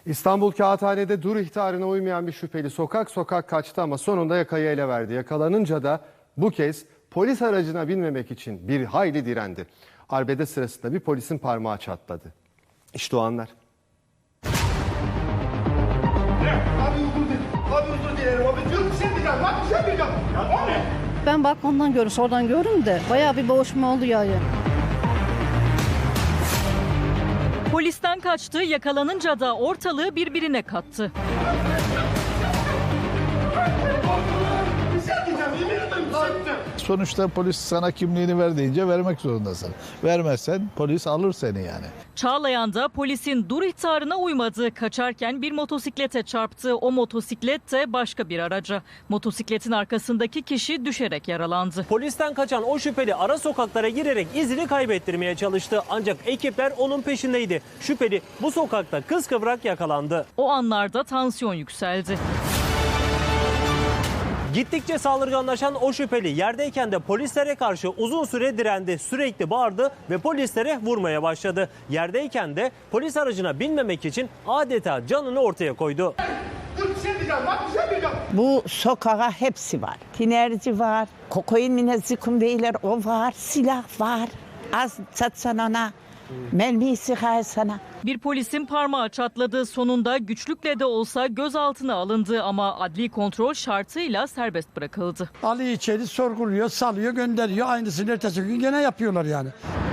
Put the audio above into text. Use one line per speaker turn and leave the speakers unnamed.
İstanbul Kağıthane'de dur ihtarına uymayan bir şüpheli sokak sokak kaçtı ama sonunda yakayı ele verdi. Yakalanınca da bu kez polis aracına binmemek için bir hayli direndi. Arbede sırasında bir polisin parmağı çatladı. İşte o anlar.
Ben balkondan oradan görürüm de bayağı bir boğuşma oldu yani.
Polisten kaçtı, yakalanınca da ortalığı birbirine kattı.
Sonuçta polis sana kimliğini ver deyince vermek zorundasın. Vermezsen polis alır seni yani.
Çağlayan'da polisin dur ihtarına uymadı. Kaçarken bir motosiklete çarptı. O motosiklet de başka bir araca. Motosikletin arkasındaki kişi düşerek yaralandı.
Polisten kaçan o şüpheli ara sokaklara girerek izini kaybettirmeye çalıştı. Ancak ekipler onun peşindeydi. Şüpheli bu sokakta kıskıvrak yakalandı.
O anlarda tansiyon yükseldi.
Gittikçe saldırganlaşan o şüpheli yerdeyken de polislere karşı uzun süre direndi. Sürekli bağırdı ve polislere vurmaya başladı. Yerdeyken de polis aracına binmemek için adeta canını ortaya koydu.
Bu sokağa hepsi var. Tinerci var, kokain minezzikum değiller o var, silah var. Az satsan ona, mermiyi sıkar sana.
Bir polisin parmağı çatladı. Sonunda güçlükle de olsa gözaltına alındı ama adli kontrol şartıyla serbest bırakıldı.
Ali içeri sorguluyor, salıyor, gönderiyor. Aynısını ertesi gün gene yapıyorlar yani.